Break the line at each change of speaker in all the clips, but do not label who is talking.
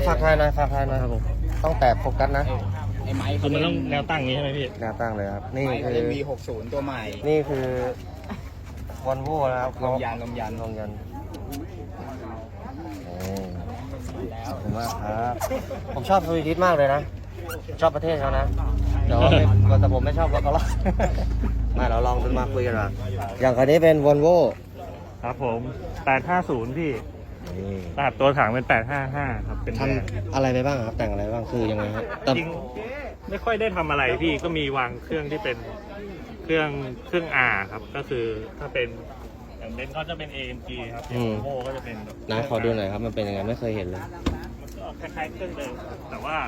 ฝากทายหน่อยฝากทายหน่อยครับผมต้องแตะโฟกัสนะ
ไอ้ไม้
คือมันต้องแนวตั้งนี้ใช่ไหมพี่
แนวตั้งเลยครับนี่
ไม้
คือ
V60 ตัวใหม่
นี่คือวอลโว่นะครับ
ลมยาน
ลมยันขอบคุณมากครับผมชอบสวีดิชมากเลยนะชอบประเทศเขานะแต่ว่าแต่ผมไม่ชอบรถเขาหรอกมาเราลองมาคุยกันว่าอย่างคันนี้เป็นวอลโว่
ครับผม850พี่รหัสตัวถังเป็น855ครับเป็น
ทำอะไรไปบ้างครับแต่งอะไรบ้างคือยังไงครับแต่
จริงไม่ค่อยได้ทำอะไรพี่ก็มีวางเครื่องที่เป็นเครื่อง R ครับก็คือถ้าเป็นอย่างเบนซ์ก็จะเป็น AMG ครับอย่างโม่ก็จะเป็นแบบ
นายขอดูหน่อยครับมันเป็นยังไงไม่เคยเห็นเลย
มันก็คล้ายๆเครื่องเดิมครับแต่ว่า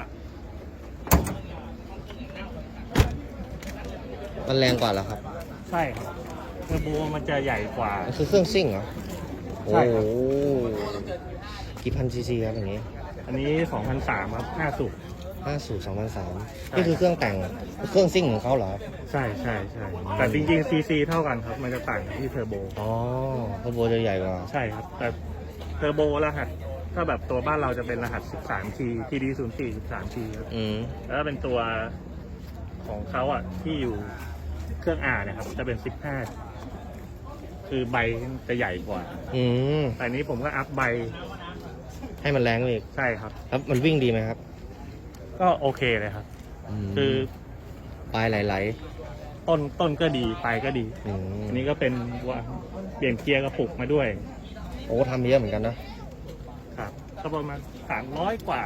มันแรงกว่าเหรอครับ
ใช่ครับเทอร์โบมันจะใหญ่กว่า
มันคือเครื่องซิ่งเหรอโอ้
ใช่ค
โห
รับ
กี่พันซีซีครับอย่างนี้
อันนี้2003ครับ5สูบ
5 2003นี่คือเครื่องแต่งเครื่องซิ่งของเขาเหรอครับ
ใช่แต่จริงๆ CC เท่ากันครับมันจะต่างที่เทอร์โบ
อ๋อเทอร์โบจะใหญ่กว่า
ใช่ครับแต่เทอร์โบรหัสถ้าแบบตัวบ้านเราจะเป็นรหัส 13T TD 04 13T ครับ
อืม
แล้วก็เป็นตัวของเขาอ่ะที่อยู่เครื่อง R นะครับจะเป็น15คือใบจะใหญ่กว่า
อืม
แต่นี้ผมก็อัพใบ
ให้มันแรงอีก
ใช่ครับ
แล้วมันวิ่งดีไหมครับ
ก็โอเคเลยครับ
ม
คือ
ปลายไหล
ต้นก็ดีปลายก็ดี
ๆอืม
อันนี้ก็เป็นว่าเปลี่ยนเกียร์กระปุกมาด้วย
โอ้ทำเยอะเหมือนกันนะครับ
ก็ประมาณ300 กว่า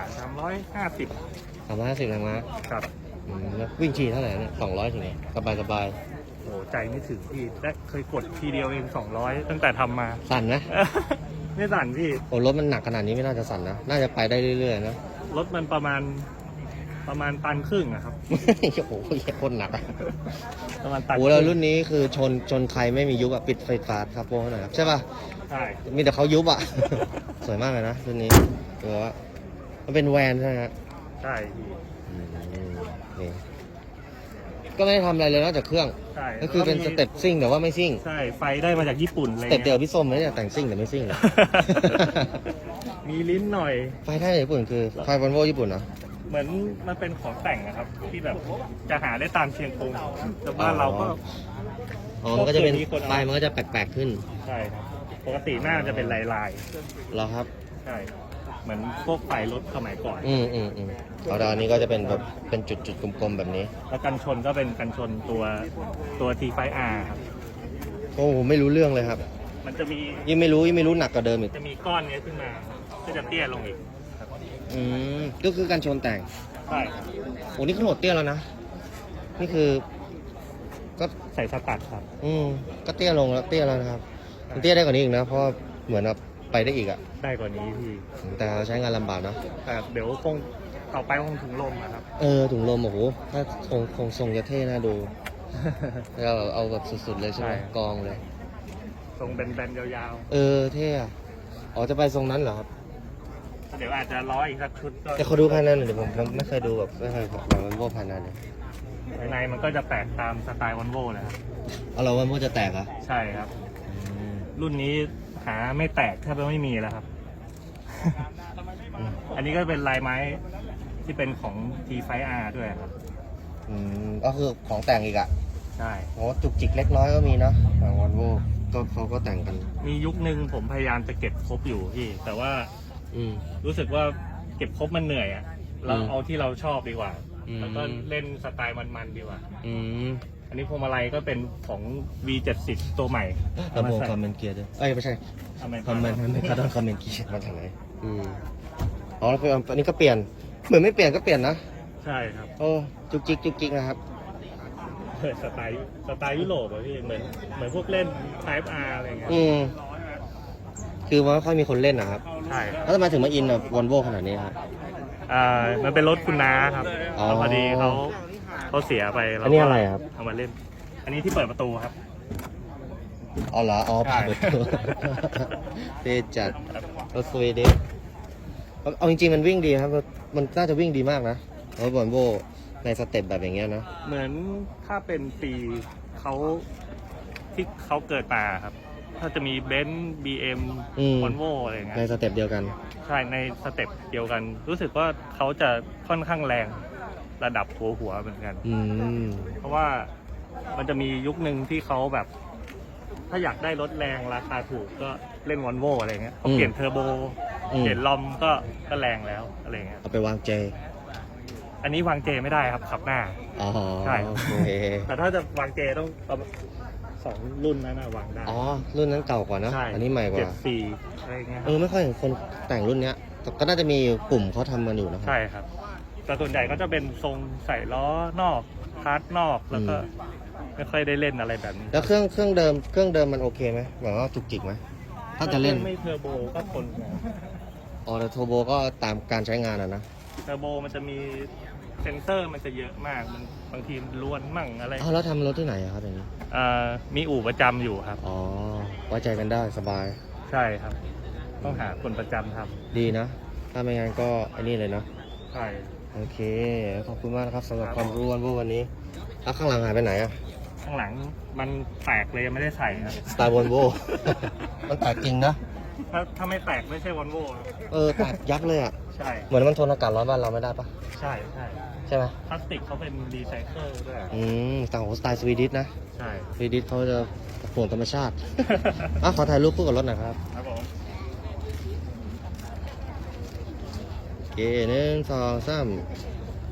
350
350แรงม้า
ครับ
แล้ววิ่งทีเท่าไหร่เนี่ย200ถึงสบาย
โอ้ใจไม่ถึงพี่และเคยกดทีเดียวเอง200 ตั้งแต่ทำมา
ๆสั่นนะ
ไม่สั่นพี่
โอ้รถมันหนักขนาดนี้ไม่น่าจะสั่นนะน่าจะไปได้เรื่อยๆนะ
รถมันประมาณตันครึ่งอะครับ
โอ้โหโคตรหนักอะ
ประมาณตัน
โอ้แล้วรุ่นนี้คือชนใครไม่มียุบอะปิดไฟฟ้าครับโป้หน่อยครับใช่ป่ะ
ใช่
มีแต่เขายุบอะ สวยมากเลยนะรุ่นนี้เออว่ามันเป็นแวนใช่ไหมฮะ
ใช่พี่
นี่ก็ไม่ได้ทำอะไรเลยนอกจากเครื่อง
ใช่
ก็คือเป็นสเต็ปซิ่งแต่ว่าไม่ซิ่ง
ใช่ไฟได้มาจากญี่ปุ่นอะไร
สเต็ปเดียว
เงี้ย
พี่ส้มเลยเนี่ยแต่งซิ่งแต่ไม่ซิ่งเลย
มีลิ้นหน่อย
ไฟไทยญี่ปุ่นคือไฟวอลโว่ญี่ปุ่นเหรอ
เหมือนมันเป็นของแต่งนะครับ ที่แบบจะหาได้ตามเชียงกงแต่บ้านเราก็
อ๋อมันก็จะเป็น
พวกตัวนี้คนเอา
ไฟมันก็จะแปลกๆขึ้น
ใช่ครับปกติหน้าจะเป็นลาย
เหรอครับ
ๆใช่เหมือนพวกไฟรถสมัยก่อน
เอาดาวนี้ก็จะเป็นแบบเป็นจุดๆกลมๆแบบนี้
แล้วกันชนก็เป็นกันชนตัว T5R ครับ
โอ้โหไม่รู้เรื่องเลยครับ
มันจะมี
ยิ่งไม่รู้หนักกว่าเดิมอีก
จะมีก้อนเนี้ยขึ้นมาก็จะเตี้ยลงอีกครับ
ก็คือการชนแต่ง
ใช่ครับ
โอ้นี่ขนาดเตี้ยแล้วนะ นี่คือ ก็
ใส่สตัดครับ
ก็เตี้ยลงแล้วเตี้ยแล้วนะครับ มันเตี้ยได้กว่านี้อีกนะ เพราะว่าเหมือนแบบไปได้อีกอะ
ได้กว่านี้พี่
แต่ใช้งานลำบากนะ
แต่เดี๋ยวคงต่อไปคงถึงลมนะครับ
ถุงลมโอ้โหถ้าคงทรงจะเท่น่าดูเราเอาแบบสุดๆเลยใช่ไหม
ใช่
กองเลย
ทรงแบนๆยาว
เท่อะอ๋อจะไปทรงนั้นเหรอครับ
ๆ เดี๋ยวอาจจะร้อยอีกสักชุดก็
แต่เขาดูภายในหน่อยเดี๋ยวผมไม่เคยดูแบบไม่เคยแบบวันโว่ภายในเลย
ภายในมันก็จะแตกตามสไตล์วอลโว่เลยครับ
เอาเราวันโว่จะแตกเหรอะ
ใช่ครับ รุ่นนี้หาไม่แตกแทบจะไม่มีแล้วครับ อันนี้ก็เป็นลายไม้ที่เป็นของ T5R ด้วยครับ
ก็คือของแต่งอีกอะ
ใช่
โอ้จุกจิกเล็กน้อยก็มีนะของวันโว่ก็เขาก็แต่งกัน
มียุคนึงผมพยายามจะเก็บครบอยู่พี่ แต่ว่า
อืม
รู้สึกว่าเก็บครบมันเหนื่อยอะเรา
อืม
เอาที่เราชอบดีกว่า
อืม
แล้วก็เล่นสไตล์มันๆดีกว่า
อืม
อันนี้พวงมาลัยก็เป็นของ V70 ตัวใหม่
ลำโพงคอมเมนต์เกียร์ด้วยไม่ใช่ คอมเมนต์ไม่กระดอนคอมเมนต์เกียร์มาจากไหนอ๋อแล้วอันนี้ก็เปลี่ยนเหมือนไม่เปลี่ยนก็เปลี่ยนนะ
ใช่ครับ
โอ้จุกจิกนะครับ
สไตล์ยุโรปอะพี่เหมือนพวกเล่น Type R อะไรเงี้ย
คือว่าไม่ค่อยมีคนเล่นนะครับ
ใช่ครับ
แล้วทำไมถึงมาอินแบบวอลโว่ขนาดนี้ครับ
มันเป็นรถคุณน้าครับ
อ๋อ
แล้วพอดีเขาเสียไปเรา
อันนี้อะไรครับ
เอามาเล่น อันนี้ที่เปิดประตูครับ
อ๋อเหรออ๋อ
ใช่
เปิดตัว เท่จัดรถสวีเดนเอาจริงๆมันวิ่งดีครับมันน่าจะวิ่งดีมากนะรถวอลโว่ในสเต็ปแบบอย่างเงี้ยนะ
เหมือนถ้าเป็นปีเขาที่เขาเกิดมาครับถ้าจะมีเบนซ์บีเอ็ม
อืม
วอลโวอะไรอย่างเงี้
ใน
ย
สเต็ปเดียวกัน
ใช่ในสเต็ปเดียวกัน รู้สึกว่าเขาจะค่อนข้างแรงระดับหัวเหมือนกัน
อืม
เพราะว่ามันจะมียุคหนึ่งที่เขาแบบ ถ้าอยากได้รถแรงราคาถูกก็เล่นวอลโวอะไรเงี้ยเขาเปลี่ยนเทอร์โบ เปลี่ยนลอมก็แรงแล้วอะไรเงี้ย
เอาไปวางเจ
อันนี้วางเจไม่ได้ครับขับหน้า
อ๋อ
ใช่
โอเค
แต่ถ้าจะวางเจต้องเอาสองรุ่นนั้นนะวางได้
อ๋อ รุ่นนั้นเก่ากว่านะ
ใช่
อันนี้ใหม่กว่า
74อะไรเงี้ยครับ
ไม่ค่อยเห็นคนแต่งรุ่นเนี้ยแต่ก็น่าจะมีกลุ่มเขาทำกันอยู่นะครับ
ใช่ครับ แต่ส่วนใหญ่ก็จะเป็นทรงใส่ล้อนอกพาร์ทนอกแล้วก็ไม่ค่อยได้เล่นอะไรแบบนี้
แล้วเครื่องเดิมมันโอเคไหมแบบว่าจุกจิกไหมถ้าจะเล่น
ไม่เทอร์โบก็ทนนะ
อ๋อแต่โทโบก็ตามการใช้งานอะนะ
เทอร์โบมันจะมีเซนเซอร์มันจะเยอะมากมันบางทีมันล้วนมั่งอะไร
อ้าวแล้วทำรถที่ไหนอะครับอย่างนี้
มีอู่ประจำอยู่ครับ
อ๋อไว้ใจกันได้สบาย
ใช่ครับ ต้องหาคนประจำท
ดีนะ ถ้าไม่งั้นก็ไอ้นี่เลยเนาะ
ำใช่
โอเค ขอบคุณมากนะครับสำหรับความรู้วันนี้แล้วข้างหลังหายไปไหนอะ
ข้างหลังมันแตกเลยยังไม่ได้ใส่ครับ
สไตล์วอลโว มันแตกจริงนะ
ถ้าไม่แตกไม่ใช่วอลโว่
แตกยับเลยอะ
ใช่
เหมือนมันทนอากาศร้อนบ้านเราไม่ได้ปะ
ใช่ใช่
ใช่ไหม
พลาสติกเขาเป็นรีไซเคิลด้วย
ต่างของสไตล์สวีดิชนะ
ใช่
สวีดิชเขาจะห่วงธรรมชาติ ขอถ่ายรูปคู่กับรถหน่อยครับ
ครับผม
โอเค1 2 3